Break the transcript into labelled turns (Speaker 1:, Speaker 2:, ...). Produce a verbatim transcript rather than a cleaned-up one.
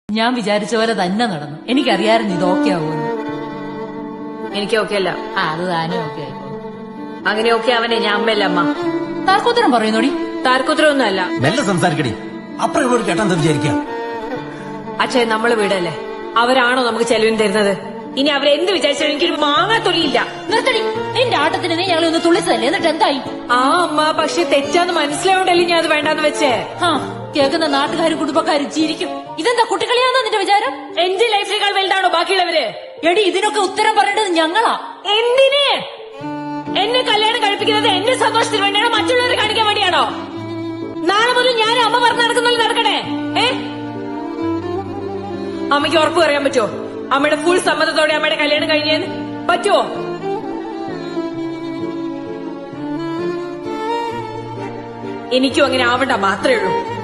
Speaker 1: ഞാൻ വിചാരിച്ച പോലെ തന്നെ നടന്നു. എനിക്കറിയായിരുന്നു ഇത് ഓക്കെ ആവുമെന്ന്.
Speaker 2: എനിക്ക് ഓക്കെ അല്ല.
Speaker 1: ആ അത് താനും ഓക്കെ ആയിക്കോളും.
Speaker 2: അങ്ങനെ ഓക്കെ അവനെ ഞാൻ അമ്മയല്ല അമ്മ.
Speaker 1: താർക്കൂത്തരം പറയുന്നോടി.
Speaker 2: താർക്കുത്തരം ഒന്നും അല്ല.
Speaker 3: മെല്ലെ സംസാരിക്കടി. അപ്പുറം കേട്ടാൻ വിചാരിക്കാം.
Speaker 2: അച്ഛേ നമ്മള് വീടല്ലേ, അവരാണോ നമുക്ക് ചെലവിന് തരുന്നത്? ഇനി അവരെന്ത് വിചാരിച്ചാലും എനിക്കൊരു മാങ്ങാ തൊലിയില്ല.
Speaker 1: നിർത്തടി. നിന്റെ ആട്ടത്തിന് നീ ഞങ്ങളെ ഒന്ന് തുള്ളിച്ചതല്ലേ, എന്നിട്ട് എന്തായി?
Speaker 2: ആ അമ്മ, പക്ഷെ തെറ്റാന്ന് മനസ്സിലായോണ്ടല്ലേ ഞാൻ അത് വേണ്ടാന്ന് വെച്ചേ.
Speaker 1: ആ കേൾക്കുന്ന നാട്ടുകാരും കുടുംബക്കാരും ചിരിക്കും. ഇതെന്താ കുട്ടികളിയാന്നോ നിന്റെ വിചാരം?
Speaker 2: എന്റെ ലൈഫിനേക്കാൾ വലുതാണോ ബാക്കിയുള്ളവര്?
Speaker 1: എടി ഇതിനൊക്കെ ഉത്തരം പറയേണ്ടത് ഞങ്ങളാ.
Speaker 2: എന്തിന്? എന്നെ കല്യാണം കഴിപ്പിക്കുന്നത് എന്റെ സന്തോഷത്തിന് വേണ്ടിയാണോ മറ്റുള്ളവരെ കാണിക്കാൻ വേണ്ടിയാണോ? നാളെ മുതൽ ഞാൻ അമ്മ പറഞ്ഞു നടക്കുന്നല്ലോ നടക്കണേ. ഏ അമ്മയ്ക്ക് ഉറപ്പ് പറയാൻ പറ്റുമോ അമ്മയുടെ ഫുൾ സമ്മതത്തോടെ അമ്മയുടെ കല്യാണം കഴിഞ്ഞേന്ന്? പറ്റുമോ? എനിക്കും അങ്ങനെ ആവണ്ട മാത്രമേ ഉള്ളൂ.